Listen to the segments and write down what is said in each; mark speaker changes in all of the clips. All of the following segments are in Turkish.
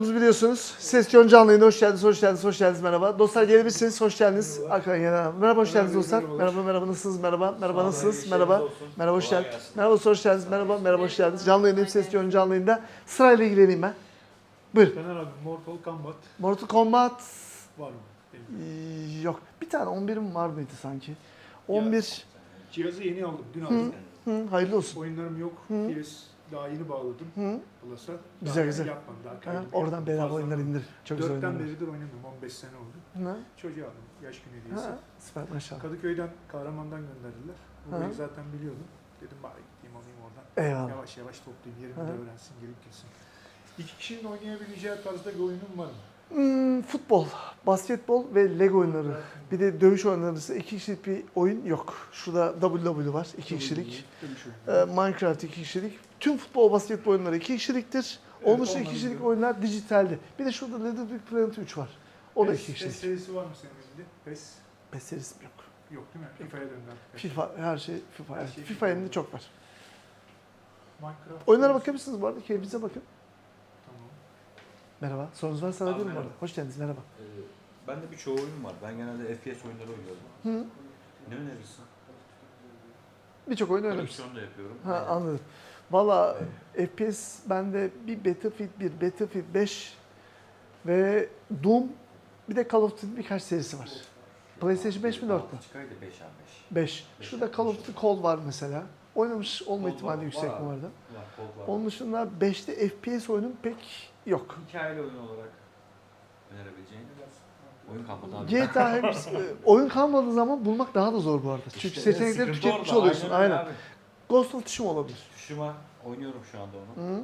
Speaker 1: Biliyorsunuz. Ses canlı yayına hoş geldiniz, hoş geldiniz, hoş geldiniz. Merhaba. Dostlar gelebilirsiniz, hoş geldiniz. Merhaba, hoş geldiniz dostlar. Merhaba, nasılsınız? Merhaba, nasılsınız? Merhaba, hoş geldiniz. Merhaba, hoş geldiniz. Merhaba, hoş geldiniz. Canlı yayındayım, Ses canlı yayında. Sırayla ilgileneyim ben. Buyur.
Speaker 2: Caner abi, Mortal Kombat
Speaker 1: Mortal Kombat
Speaker 2: var mı?
Speaker 1: yok. Bir tane 11'im var mıydı sanki? 11.
Speaker 2: Cihazı yeni aldım, dün aldım.
Speaker 1: Hayırlı olsun.
Speaker 2: Oyunlarım yok. PS daha yeni bağladım. Plus'a.
Speaker 1: Güzel, güzel.
Speaker 2: Yapmadım daha.
Speaker 1: Oradan bedava oyunlar indir. Çok güzel oyunlar.
Speaker 2: 4'ten beridir oynamıyorum. 15 sene oldu. Çocuğa aldım. Yaş günü hediyesi.
Speaker 1: Süper maşallah.
Speaker 2: Kadıköy'den, Kahraman'dan gönderdiler. Burayı zaten biliyordum. Dedim bari gideyim alayım oradan.
Speaker 1: Eyvallah.
Speaker 2: Yavaş yavaş toplayayım. Yerimi de öğrensin, gelip gitsin. İki kişinin oynayabileceği tarzda bir oyunum var mı?
Speaker 1: Futbol, basketbol ve Lego oyunları. Bir de dövüş oyunları ise 2 kişilik bir oyun yok. Şurada WWE var 2 kişilik. Minecraft 2 kişilik. Tüm futbol, basketbol oyunları 2 kişiliktir. Onun dışında 2 kişilik oyunlar dijitalde. Bir de şurada Little Big Planet 3 var. O da 2 kişilik.
Speaker 2: PES serisi var mı senin elinde?
Speaker 1: PES serisi yok.
Speaker 2: Yok değil mi? FIFA'ya döndü.
Speaker 1: FIFA, her şey FIFA.
Speaker 2: Her
Speaker 1: Evet.
Speaker 2: şey
Speaker 1: FIFA elinde çok var.
Speaker 2: Minecraft.
Speaker 1: Oyunlara bakabilirsiniz bu arada. Keyfinize bakın.
Speaker 2: Tamam.
Speaker 1: Merhaba. Sorunuz varsa alabilirim bu arada. Hoş geldiniz. Merhaba.
Speaker 3: Bende birçoğu oyun var. Ben genelde FPS oyunları oynuyorum. Ne önerirsin?
Speaker 1: Birçok oyun oynamışsın.
Speaker 3: Koleksiyon da yapıyorum.
Speaker 1: Anladım. Valla FPS bende bir Battlefield 1, Battlefield 5 ve Doom, bir de Call of Duty birkaç serisi var. PlayStation 5 mi 4 mü?
Speaker 3: Çıkaydı 5 abi
Speaker 1: 5. Şurada Call of Duty Cold var mesela. Oynamış olma
Speaker 3: Cold
Speaker 1: ihtimali
Speaker 3: var,
Speaker 1: yüksek
Speaker 3: var
Speaker 1: bu
Speaker 3: abi.
Speaker 1: arada.
Speaker 3: Var.
Speaker 1: Onun dışında 5'te FPS oyunum pek yok.
Speaker 3: Hikayeli oyun olarak önerebileceğin oyun kalmadı abi.
Speaker 1: GTA oyun kalmadığı zaman bulmak daha da zor bu arada. Çünkü
Speaker 3: İşte
Speaker 1: seçenekleri
Speaker 3: sıkıntı
Speaker 1: tüketmiş
Speaker 3: orada.
Speaker 1: oluyorsun.
Speaker 3: öyle
Speaker 1: Aynen.
Speaker 3: abi.
Speaker 1: Ghost of Tsushima olabilir.
Speaker 3: Tuşuma oynuyorum şu anda onu.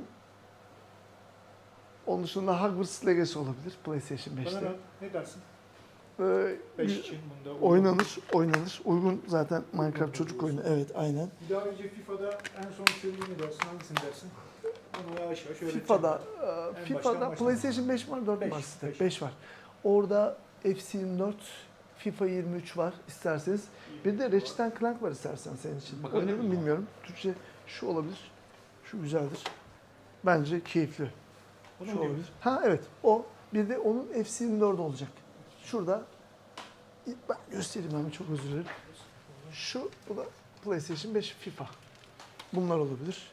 Speaker 1: Onun dışında Hogwarts Legacy olabilir PlayStation 5'te.
Speaker 2: Bana ne dersin?
Speaker 1: 5
Speaker 2: için bunda
Speaker 1: oynanır. Uygun zaten Minecraft çocuk oyunu. Evet, aynen.
Speaker 2: Bir daha önce FIFA'da en son sevdiğin ne dersin? Hangisini dersin? Onu yavaş yavaş öğreteceğim.
Speaker 1: FIFA'da
Speaker 2: baştan
Speaker 1: PlayStation 5 var, 4
Speaker 2: Beş,
Speaker 1: var sizde.
Speaker 2: beş.
Speaker 1: 5 var. Orada FC 24, FIFA 23 var isterseniz. Bir de Ratchet Clank var istersen senin için.
Speaker 3: Bakabilir
Speaker 1: Oynadın mı
Speaker 3: miyim?
Speaker 1: bilmiyorum. Türkçe şu olabilir. Şu güzeldir. Bence keyifli.
Speaker 2: Onu
Speaker 1: Şu
Speaker 2: mu
Speaker 1: olabilir. Ha evet, o. Bir de onun FC 24 olacak. Şurada ben göstereyim hemen, çok özür dilerim. Bu da PlayStation 5 FIFA. Bunlar olabilir.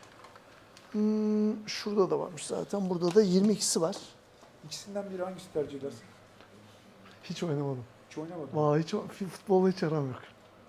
Speaker 1: Şurada da varmış zaten. Burada da 22'si var.
Speaker 2: İkisinden biri hangisi tercih edersin?
Speaker 1: Hiç oynamadım.
Speaker 2: Hiç oynamadım.
Speaker 1: Vallahi futbolla hiç aram yok.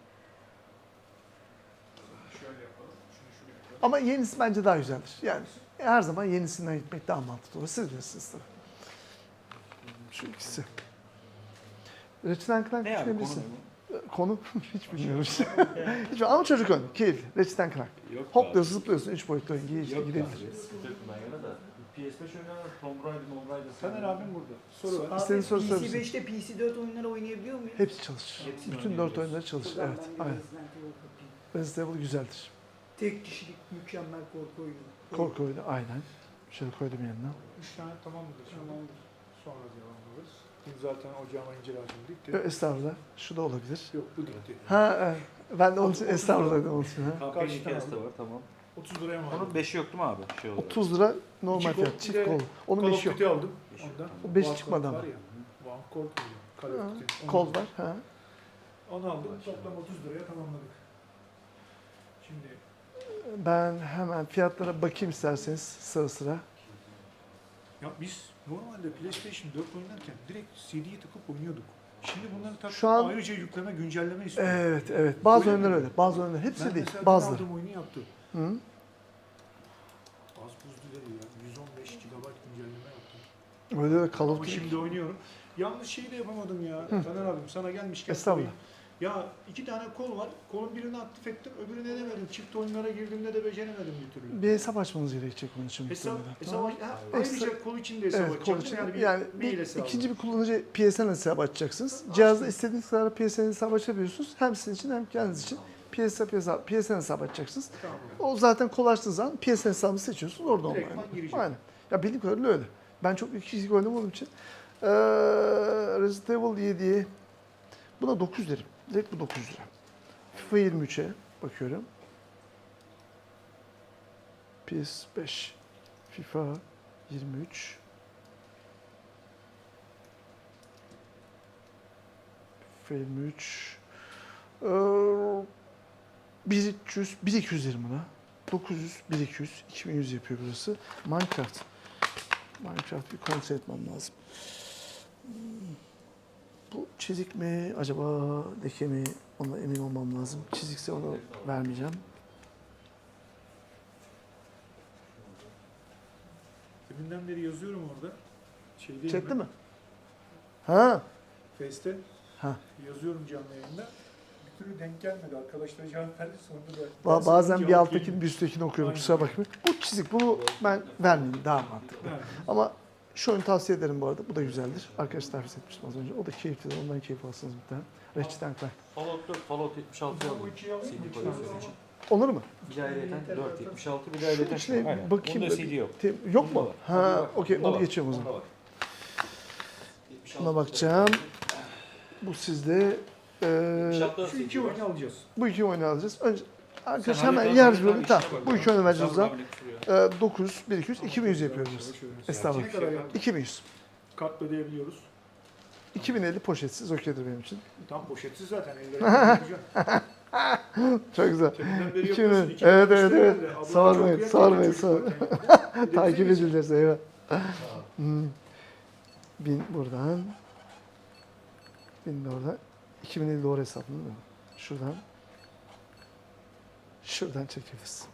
Speaker 2: Şöyle yapalım. Şunu yapalım.
Speaker 1: Ama yenisi bence daha güzeldir. Yani her zaman yenisinden gitmek daha mantıklı olur. Siz bilirsiniz tabii. Şu ikisi. Ratchet Clank
Speaker 3: Ne abi
Speaker 1: düşünebilirsin.
Speaker 3: konu
Speaker 1: Konu hiç bilmiyorum işte. Ama çocuk oyunu, keyifli. Ratchet Clank.
Speaker 3: Yok
Speaker 1: Hopluyorsun, zıplıyorsun, 3 boyutlu oyun.
Speaker 3: Yok
Speaker 1: Girebilir.
Speaker 3: Sıkıntı yok bundan yana da. PS5 oynanan Tomb Raider.
Speaker 2: Taner abim burada. Soru var.
Speaker 1: İstediğin soru sorabilirsin.
Speaker 4: PC5'te PC4 oyunları oynayabiliyor muyum?
Speaker 1: Hepsi çalışır.
Speaker 3: Hepsini
Speaker 1: Bütün 4
Speaker 3: oynayabiliyorsun.
Speaker 1: oyunları çalışır.
Speaker 4: Buradan
Speaker 1: Evet,
Speaker 4: ben bir
Speaker 1: aynen.
Speaker 4: Resident Evil kapayım.
Speaker 1: Resident Evil güzeldir.
Speaker 4: Tek kişilik mükemmel korku oyunu.
Speaker 1: Korku oyunu, aynen. Şöyle koydum yanına.
Speaker 2: 3 tane tamam mıdır?
Speaker 4: Tamamdır.
Speaker 2: Sonra devam ederiz. Dün zaten ocağıma incir ağacım dikti.
Speaker 1: Estağfurullah. Şu da olabilir.
Speaker 2: Yok bu dikti.
Speaker 1: Ha, evet. Ben de onun için estağfurullah dedim onun için. Ha.
Speaker 3: Kampanya
Speaker 2: Kaç
Speaker 3: hikayesi de
Speaker 2: tane
Speaker 3: var tamam.
Speaker 2: 30 liraya mı
Speaker 3: Onun
Speaker 2: aldım?
Speaker 3: 5'i yok değil mi abi? Şey olarak.
Speaker 1: 30 lira normal
Speaker 2: İki
Speaker 1: fiyat,
Speaker 2: kol,
Speaker 1: çift
Speaker 2: bir de
Speaker 1: kol. Onun
Speaker 2: Call of
Speaker 1: 5'i yok.
Speaker 2: Duty aldım.
Speaker 3: Beşi yok,
Speaker 2: Ondan.
Speaker 3: tamam.
Speaker 1: O 5
Speaker 2: War
Speaker 1: çıkmadı
Speaker 2: Call
Speaker 1: ama.
Speaker 2: var ya. War Call diyor. Call of Duty. Onu
Speaker 1: Kol
Speaker 2: aldım.
Speaker 1: var. Ha.
Speaker 2: Onu aldım. Toplam 30 liraya tamamladık. Şimdi
Speaker 1: Ben hemen fiyatlara bakayım isterseniz sıra sıra.
Speaker 2: ya biz normalde PlayStation 4 oynarken direkt CD'yi takıp oynuyorduk. Şimdi bunları takıp
Speaker 1: Şu an-
Speaker 2: ayrıca yükleme, güncelleme istiyor.
Speaker 1: Evet. Bazı
Speaker 2: Öyle
Speaker 1: oyunlar
Speaker 2: mi?
Speaker 1: öyle. Bazı oyunlar. Hepsi
Speaker 2: Ben
Speaker 1: değil.
Speaker 2: mesela
Speaker 1: Bazıları.
Speaker 2: aldığım oyunu yaptı.
Speaker 1: Hı?
Speaker 2: Az buzlu değil ya. 115 GB güncelleme yaptım.
Speaker 1: Öyle de Call of
Speaker 2: Ama
Speaker 1: Duty.
Speaker 2: şimdi oynuyorum. Yalnız şeyi de yapamadım ya. Taner abim sana gelmişken
Speaker 1: Estağfurullah.
Speaker 2: sorayım. Ya 2 tane kol var. Kolun birini aktif ettim, öbürünü edemedim. Çift oyunlara girdiğimde de beceremedim bir türlü.
Speaker 1: Bir hesap açmanız gerekecek onun için.
Speaker 2: Hesap,
Speaker 1: muhtemelen.
Speaker 2: hesap
Speaker 1: Tamam.
Speaker 2: ayrıca kol için de hesap
Speaker 1: Evet, kol
Speaker 2: açacağım.
Speaker 1: için.
Speaker 2: Yani
Speaker 1: Yani
Speaker 2: mail
Speaker 1: bir,
Speaker 2: hesabı.
Speaker 1: ikinci bir kullanıcı PSN hesabı açacaksınız. Cihazda istediğiniz kadar PSN hesabı açabiliyorsunuz. Hem sizin için hem kendiniz için. PSN hesabı açacaksınız.
Speaker 2: Tamam.
Speaker 1: O zaten kol açtığınız zaman PSN hesabını seçiyorsunuz. Orada
Speaker 2: Direktman
Speaker 1: online.
Speaker 2: gireceğim.
Speaker 1: Aynen. Ya bildiğim kadarıyla öyle. Ben çok iki kişilik oynamadığım için. Resident Evil 7'ye buna 9 derim. Direkt bu 9 lira. FIFA 23'e bakıyorum. PS5, FIFA 23, Film 3. 1300, 1220 lira. 900, 1200, 2100 yapıyor burası. Minecraft. Minecraft bir kontrol etmem lazım. Bu çizik mi acaba leke mi? Ona emin olmam lazım. Çizikse onu vermeyeceğim.
Speaker 2: Deminden beri yazıyorum orada. Şeydeyim
Speaker 1: Chatte
Speaker 2: ben,
Speaker 1: mi? Ha.
Speaker 2: Face'te
Speaker 1: Ha.
Speaker 2: yazıyorum canlı yayında. Bir türlü denk gelmedi. Arkadaşlar cevap verdi sonunda da.
Speaker 1: Bazen bir
Speaker 2: cevap
Speaker 1: alttakini
Speaker 2: geliyor.
Speaker 1: bir üsttekini okuyorum.
Speaker 2: Aynen.
Speaker 1: Kusura bakmayın. Bu çizik. Bunu ben vermeyeyim. Daha mantıklı.
Speaker 2: Evet.
Speaker 1: Ama şu oyunu tavsiye ederim bu arada. Bu da güzeldir. Arkadaş tavsiye etmiştim az önce. O da keyiflidir. Ondan keyif alsınız bir tane. Ratchet Clank.
Speaker 3: Fallout 4, Fallout 76
Speaker 2: Bu
Speaker 3: aldım.
Speaker 2: ikiyi alayım mı?
Speaker 3: CD koleksiyonu için.
Speaker 1: Olur mu?
Speaker 3: Bir de ayrıyeten 476, bir de
Speaker 1: Şu
Speaker 3: ayrıyeten
Speaker 1: içine
Speaker 3: Aynen.
Speaker 1: bakayım
Speaker 3: Bunda
Speaker 1: da
Speaker 3: CD
Speaker 1: bir-
Speaker 3: yok.
Speaker 1: Yok
Speaker 3: Bunda
Speaker 1: mu?
Speaker 3: var.
Speaker 1: Ha,
Speaker 3: Bunda
Speaker 1: okey.
Speaker 3: Bunda
Speaker 1: Onu
Speaker 3: var.
Speaker 1: geçiyorum o zaman.
Speaker 3: Bunda var. 76
Speaker 1: Buna bakacağım. Bu sizde.
Speaker 3: 76
Speaker 2: Şu iki oyunu alacağız.
Speaker 1: Bu iki oyunu alacağız. Önce arkadaş
Speaker 3: Sen
Speaker 1: hemen
Speaker 3: hallet,
Speaker 1: yarız
Speaker 3: hallet,
Speaker 1: bölümü.
Speaker 3: işine
Speaker 1: Tamam.
Speaker 3: bak.
Speaker 1: Bu iki oyunu vereceğiz o zaman.
Speaker 3: Estağfurullah, ne kusuyor?
Speaker 1: 900, 1200, 2100 yapıyoruz. Estağfurullah.
Speaker 2: Ne kadar yaptık?
Speaker 1: 2100.
Speaker 2: Kartla ödeyebiliyoruz.
Speaker 1: 2050 poşetsiz okeydir benim için.
Speaker 2: Tam poşetsiz zaten. Elleri yapacağım.
Speaker 1: Çok güzel.
Speaker 2: Deminden beri
Speaker 1: 2000.
Speaker 2: yapıyorsun. iki
Speaker 1: Evet,
Speaker 2: tane
Speaker 1: evet,
Speaker 2: müşteri
Speaker 1: evet.
Speaker 2: geldi. Abla
Speaker 1: Sormayın,
Speaker 2: çok
Speaker 1: sormayın,
Speaker 2: çocuk
Speaker 1: sormayın.
Speaker 2: zaten.
Speaker 1: Takip
Speaker 2: Elimize geçin.
Speaker 1: edileceğiz eyvah. 1000 buradan. 1000 de oradan. 2050 doğru hesaplı değil mi? Şuradan. Şuradan çekeriz.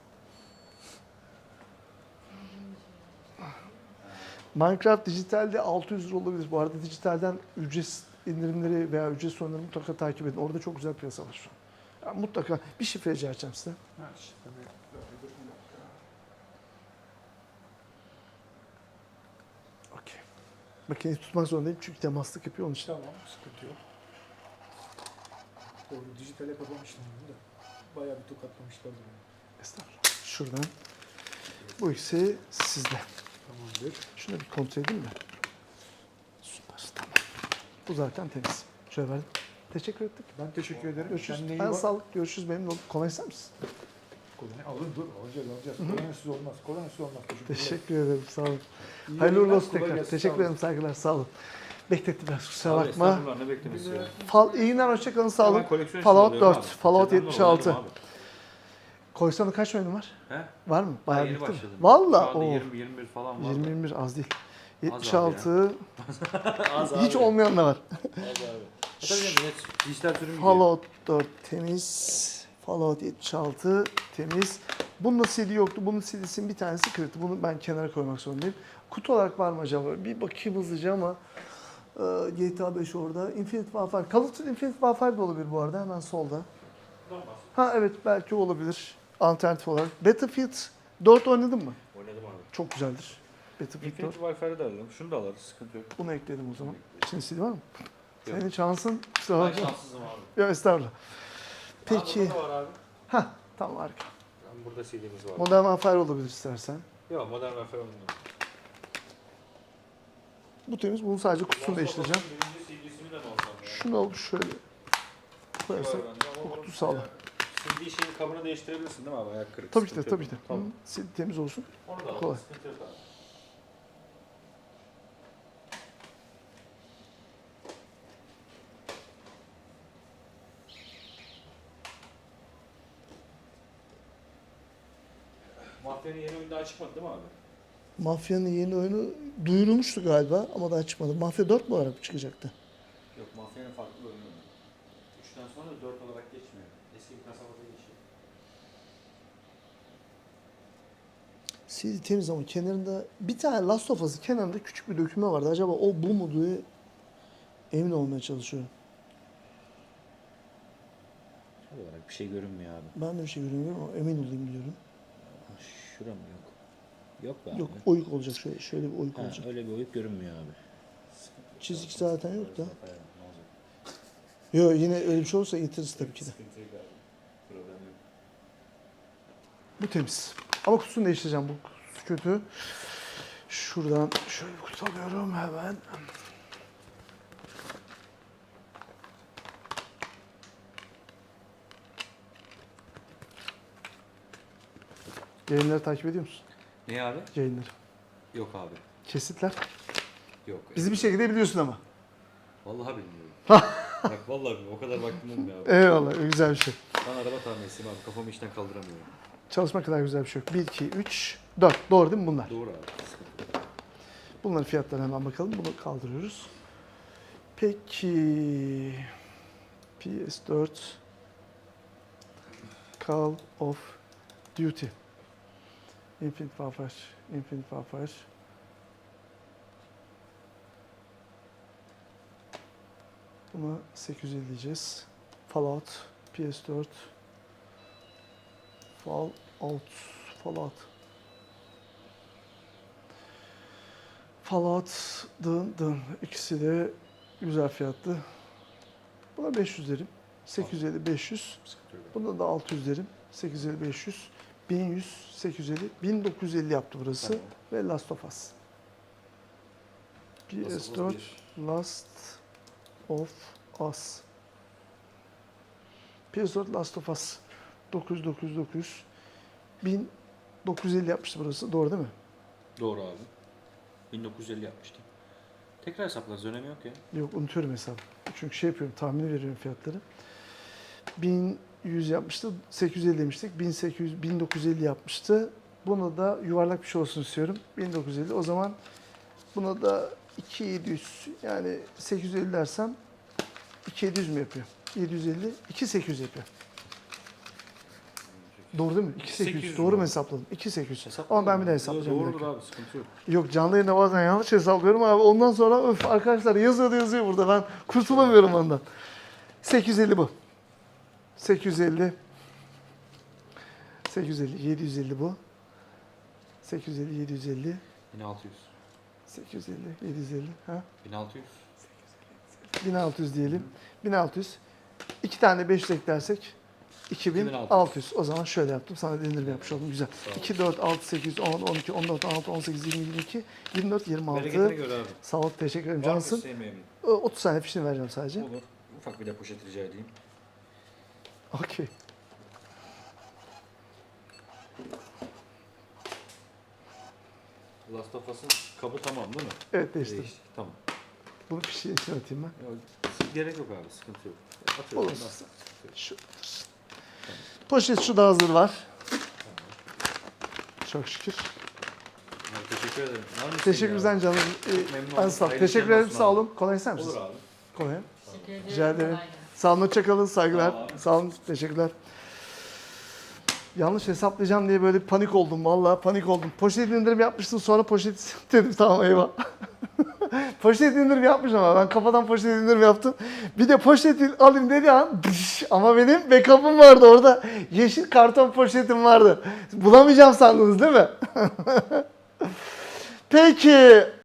Speaker 1: Minecraft dijitalde 600 lira olabilir. Bu arada dijitalden ücret indirimleri veya ücret sonları mutlaka takip edin. Orada çok güzel piyasa var şu an. Yani mutlaka bir şifre rica edeceğim size.
Speaker 2: Ha, işte, tabii.
Speaker 1: Okey. Makineyi tutmak zorundayım çünkü temaslık yapıyor onun için.
Speaker 2: Tamam, sıkıntı yok. Doğru, dijitale kapamıştım bunu da. Bayağı bir tokatlamışlar beni.
Speaker 1: Estağfurullah. Şuradan. Bu ikisi sizde.
Speaker 2: Tamamdır.
Speaker 1: Şunu bir kontrol edeyim de. Süper. Tamam. Bu zaten temiz. Şöyle verdim. Teşekkür ettik.
Speaker 2: Ben teşekkür ederim.
Speaker 1: Görüşürüz.
Speaker 2: Kendine iyi
Speaker 1: Ben
Speaker 2: bak.
Speaker 1: sağlık. Görüşürüz. Memnun oldum. Kolay ister misin?
Speaker 2: Alın dur. Alacağız. Kolonesiz olmaz. Kolonesiz olmaz.
Speaker 1: Teşekkür ederim. Sağ olun.
Speaker 2: İyi
Speaker 1: Hayırlı uğurlu
Speaker 2: yayınlar,
Speaker 1: olsun
Speaker 2: kolay
Speaker 1: tekrar.
Speaker 2: gelsin,
Speaker 1: Teşekkür
Speaker 2: sağ olun.
Speaker 1: ederim. Saygılar. Sağ olun. Beklettim biraz. Kusura
Speaker 3: Abi,
Speaker 1: bakma.
Speaker 3: estağfurullah, ne beklemesi ya.
Speaker 1: İyi günler. Hoşçakalın. Sağ olun.
Speaker 3: Ben koleksiyon
Speaker 1: Fallout
Speaker 3: için alıyorum
Speaker 1: 4.
Speaker 3: abi.
Speaker 1: Fallout
Speaker 3: Senden de
Speaker 1: 76.
Speaker 3: alıyorum abi.
Speaker 1: Koysana kaç oyunu var?
Speaker 3: He?
Speaker 1: Var mı? Bayağı
Speaker 3: Yeni
Speaker 1: bitti mi?
Speaker 3: başladım.
Speaker 1: Valla.
Speaker 3: Şu anda
Speaker 1: Oo.
Speaker 3: 20-21 falan var.
Speaker 1: 20-21 az değil.
Speaker 3: abi
Speaker 1: 76.
Speaker 3: Az
Speaker 1: Hiç
Speaker 3: abi.
Speaker 1: olmayan da var.
Speaker 3: Az abi. Tabii canım, net dijital sürüm gibi.
Speaker 1: Fallout 4 temiz. Fallout 76 temiz. Bunun CD yoktu. Bunun CD'sinin bir tanesi kırıktı. Bunu ben kenara koymak zorundayım. Kutu olarak var mı acaba? Bir bakayım hızlıca ama GTA 5 orada. Infinite Warfare. Call of Duty Infinite Warfare da olabilir bu arada. Hemen solda. Ha evet belki olabilir. Alternatif olarak. Battlefield 4 oynadın mı?
Speaker 3: Oynadım abi.
Speaker 1: Çok güzeldir. Battlefield 4.
Speaker 3: Infinity Warfare'ı da alalım. Şunu da alırız. Sıkıntı yok.
Speaker 1: Bunu ekledim o zaman. İçinde CD var mı?
Speaker 3: Yok.
Speaker 1: Senin şansın. Kusura
Speaker 3: Ben
Speaker 1: bakma.
Speaker 3: şanssızım abi.
Speaker 1: Yok estağfurullah. Peki.
Speaker 3: Aa, burada da var abi.
Speaker 1: Tamam harika.
Speaker 3: Burada CD'miz var.
Speaker 1: Modern Warfare olabilir istersen.
Speaker 3: Yok, Modern Warfare oynadım.
Speaker 1: Bu temiz. Bunun sadece kutusunu değiştireceğim.
Speaker 3: Birinci CD'sini de mi alsam ya?
Speaker 1: Şunu alıp şöyle koyarsak
Speaker 3: Var bende ama
Speaker 1: bu kutu
Speaker 3: onun
Speaker 1: sağlam.
Speaker 3: CD şeyin kabını değiştirebilirsin değil mi abi? Ayak kırık.
Speaker 1: Tabii ki de,
Speaker 3: sıkıntı
Speaker 1: tabii
Speaker 3: yok.
Speaker 1: ki de.
Speaker 3: Tamam.
Speaker 1: Hı, sil temiz olsun.
Speaker 3: Onu da alalım.
Speaker 1: Kolay.
Speaker 3: Sıkıntı yok abi. Mafyanın yeni oyunu daha çıkmadı değil mi abi?
Speaker 1: Mafya'nın yeni oyunu duyurulmuştu galiba ama daha çıkmadı. Mafya 4 mu olarak çıkacaktı?
Speaker 3: Yok, Mafya'nın farklı bir oyunu var. 3'ten sonra da 4 olarak geçmiyor. Eski bir kasabada geçiyor.
Speaker 1: CD temiz ama kenarında bir tane Last of Us'ın kenarında küçük bir döküme vardı. Acaba o bu mu diye emin olmaya çalışıyorum.
Speaker 3: Tam olarak bir şey görünmüyor abi.
Speaker 1: Ben de bir şey göremiyorum ama emin olayım diyorum.
Speaker 3: Şura mı yok? Yok be abi.
Speaker 1: Yok oyuk olacak şöyle bir oyuk
Speaker 3: Ha,
Speaker 1: olacak.
Speaker 3: öyle bir oyuk görünmüyor abi.
Speaker 1: Çizik zaten yok da.
Speaker 3: Ne olacak?
Speaker 1: Yok yine öyle bir şey olursa getiririz tabii ki de.
Speaker 3: Sıkıntı yok abi. Problem yok.
Speaker 1: Bu temiz. Ama kutusunu değiştireceğim. Bu kutusu kötü. Şuradan şöyle bir kutu alıyorum hemen. Yayınları takip ediyor musun?
Speaker 3: Ne abi?
Speaker 1: Yayınları.
Speaker 3: Yok abi.
Speaker 1: Kesitler.
Speaker 3: Yok.
Speaker 1: Bizi bir şekilde biliyorsun ama.
Speaker 3: Vallahi bilmiyorum. Bak vallahi bilmiyorum. O kadar vaktim olmuyor abi.
Speaker 1: Eyvallah, güzel bir şey.
Speaker 3: Ben araba tamircisiyim abi. Kafamı işten kaldıramıyorum.
Speaker 1: Çalışma kadar güzel bir şey yok. 1, 2, 3, 4. Doğru değil mi bunlar?
Speaker 3: Doğru abi.
Speaker 1: Bunların fiyatlarına hemen bakalım. Bunu kaldırıyoruz. Peki PS4 Call of Duty Infinite Warfare Infinite Warfare Buna 850 diyeceğiz. Fallout PS4 Fallout dın ikisi de güzel fiyatlı. Buna 500 derim. 850 500.
Speaker 3: Sıkıntı yok.
Speaker 1: Buna da 600 derim. 850 500. 1100 850 1950 yaptı burası
Speaker 3: Tamam.
Speaker 1: ve Last of Us. PS4 Last of Us. PS4 Last of Us 900 1950 yapmıştı burası. Doğru değil mi?
Speaker 3: Doğru abi. 1950 yapmıştım. Tekrar hesaplarız. Önemi yok ya.
Speaker 1: Yok, unutuyorum hesabı. Çünkü şey yapıyorum, tahmini veriyorum fiyatları. 1100 yapmıştı, 850 demiştik. 1950 yapmıştı. Buna da yuvarlak bir şey olsun istiyorum. 1950. O zaman buna da 2700, yani 850 dersem 2700 mü yapıyor? 750, 2800 yapıyor. Doğru değil mi? 2800.
Speaker 3: 800
Speaker 1: Doğru mu
Speaker 3: mu?
Speaker 1: hesapladım? 2800.
Speaker 3: Hesapla.
Speaker 1: Ama ben bir daha hesaplayacağım. bir
Speaker 3: Doğrudur
Speaker 1: dakika.
Speaker 3: abi. Sıkıntı yok.
Speaker 1: Yok, canlı yayında bazen yanlış hesaplıyorum abi. Ondan sonra öf arkadaşlar yazıyor burada. Ben kurtulamıyorum ondan. 850 bu. 850. 750 bu. 850, 750.
Speaker 3: 1600.
Speaker 1: 850, 750. Ha?
Speaker 3: 1600.
Speaker 1: 1600 diyelim. 1600. 2 tane 500 eklersek 2600. O zaman şöyle yaptım. Sana da indirim yapmış oldum. Güzel.
Speaker 3: Sağ ol.
Speaker 1: 2, 4, 6, 8, 10, 12, 14, 16, 18, 20, 22, 24, 26.
Speaker 3: Bereketine göre abi.
Speaker 1: Sağ ol. Teşekkür ederim.
Speaker 3: Var mı
Speaker 1: Cansın.
Speaker 3: isteğin memnun?
Speaker 1: 30 tane fişini vereceğim sadece.
Speaker 3: Olur. Ufak bir de poşet rica edeyim.
Speaker 1: Okey.
Speaker 3: Last of Us'ın kabı tamam değil mi?
Speaker 1: Evet, değiştim.
Speaker 3: Değiştik. Tamam.
Speaker 1: Bunu fişin içine atayım ben.
Speaker 3: Yok, gerek yok abi. Sıkıntı yok. Atıyorum.
Speaker 1: Olur.
Speaker 3: Nasıl?
Speaker 1: Şu. Poşet şu da hazır var. Çok şükür.
Speaker 3: Abi, teşekkür ederim. Var mı isteğin
Speaker 1: Teşekkürler
Speaker 3: abi?
Speaker 1: canım.
Speaker 3: memnun
Speaker 1: Ben
Speaker 3: oldum.
Speaker 1: sağ ol.
Speaker 3: Hayırlı
Speaker 1: Teşekkür
Speaker 3: işler
Speaker 1: ederim.
Speaker 3: olsun
Speaker 1: Sağ
Speaker 3: abi.
Speaker 1: olun. Kolay ister misiniz?
Speaker 3: Olur abi.
Speaker 1: Kolay.
Speaker 5: Teşekkür ederim.
Speaker 1: Rica ederim.
Speaker 5: Kolay gelsin.
Speaker 1: Sağ olun. Hoşça kalın. Saygılar.
Speaker 3: Sağ ol abi.
Speaker 1: Sağ olun. Teşekkürler. Yanlış hesaplayacağım diye böyle panik oldum. Vallahi panik oldum. Poşet indirim yapmıştım, sonra poşet dedim tamam eyvah. Poşet indirim yapmışım ama ben kafadan poşet indirim yaptım. Bir de poşet alayım dedi an ama benim backup'ım vardı orada. Yeşil karton poşetim vardı. Bulamayacağım sandınız değil mi? Peki.